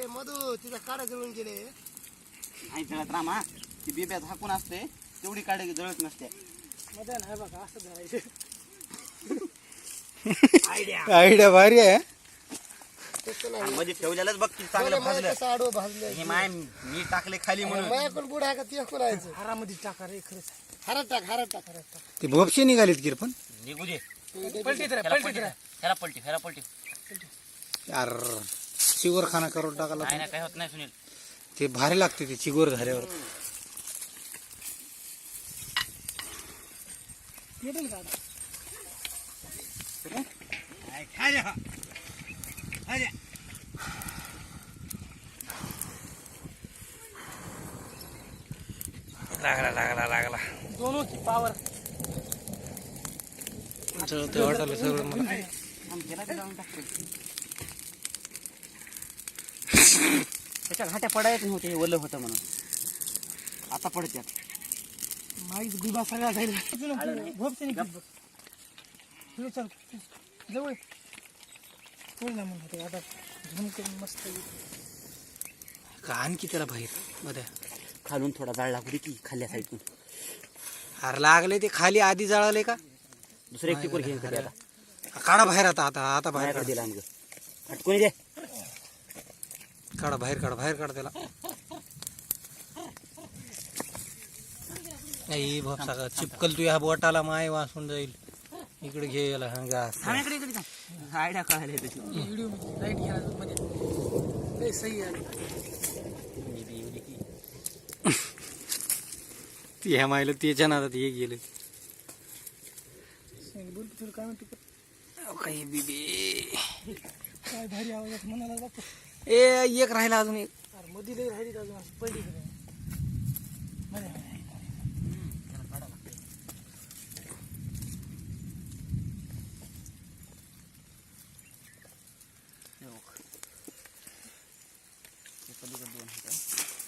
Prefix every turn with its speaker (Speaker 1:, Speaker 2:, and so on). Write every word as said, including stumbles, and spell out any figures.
Speaker 1: ए मधू तिचा काड्या जळून गेले.
Speaker 2: आई जळत रामा ती बिब्यात हाकून असते तेवढी काढे जळत नसते.
Speaker 1: मजा नाही बघा असं धरायचं.
Speaker 2: आयडिया
Speaker 3: आयडिया भारी आहे.
Speaker 2: मध्ये ठेवलेलंच बघ किती चांगलं भाजलं.
Speaker 1: कसं आडवं भाजलं.
Speaker 2: हे माय मी टाकले खाली म्हणून
Speaker 1: माया पण बुड आहे का ते खुलायचं. हारामध्ये टाका रे खरंच. हारात टाक हारात टाक हारात टाक.
Speaker 3: ते भोपशे निघालीत की रे पण.
Speaker 2: निघू दे.
Speaker 1: पलटी तर
Speaker 2: ह्याला
Speaker 1: पलटी
Speaker 2: पलटी
Speaker 1: तर.
Speaker 2: ह्याला पलटी ह्याला पलटी
Speaker 3: यार चिगोर खाना करून टाकायला
Speaker 2: काय नाही काय होत नाही सुनील.
Speaker 3: ते भारी लागते ते चिगोर झाल्यावर.
Speaker 1: भेटेल का आता?
Speaker 3: लागला लागला लागला
Speaker 1: दोन होती पावर.
Speaker 3: ते वाटलं सगळं मला.
Speaker 2: त्याच्या घाट्या पडायच नव्हते हे ओलं होतं म्हणून आता पडत्यात.
Speaker 1: माईच गुबा सगळा जाईल. भोपते नाही पुढे चल जवळ पुढे ना म्हणतो आता झूम करून मस्त
Speaker 3: का आणखी त्याला बाहेर मध्ये
Speaker 2: खालून थोडा जाळ लागू दे की खाल्ल्या साईडून.
Speaker 3: अरे लागले ते खाली आधी जळाले का.
Speaker 2: दुसरं एक टिकोर घेऊन कधी आता
Speaker 3: काढा बाहेर आता आता आता बाहेर
Speaker 2: बाहेर दिला आमग हटकून दे.
Speaker 3: काढा बाहेर काढा बाहेर काढा त्याला. नाही बाप सगळं चिपकल तू ह्या बोटाला माय वासून जाईल. इकडे घे याला हंगा.
Speaker 2: इकडे इकडे आयडिया कळायला त्याची.
Speaker 1: व्हिडिओ लाईट घ्यायला मध्ये सही आहे.
Speaker 3: ह्या मायला त्याच्या नादात हे गेले.
Speaker 1: बोल तुला काय म्हणतो
Speaker 3: काही बिबे
Speaker 1: काय भारी आवाजात म्हणाला जातो.
Speaker 3: ए एक राहिला अजून एक.
Speaker 1: अरे मध्ये लई राहिली अजून असं पडली मध्ये.
Speaker 2: पलीकडे दोन होतं.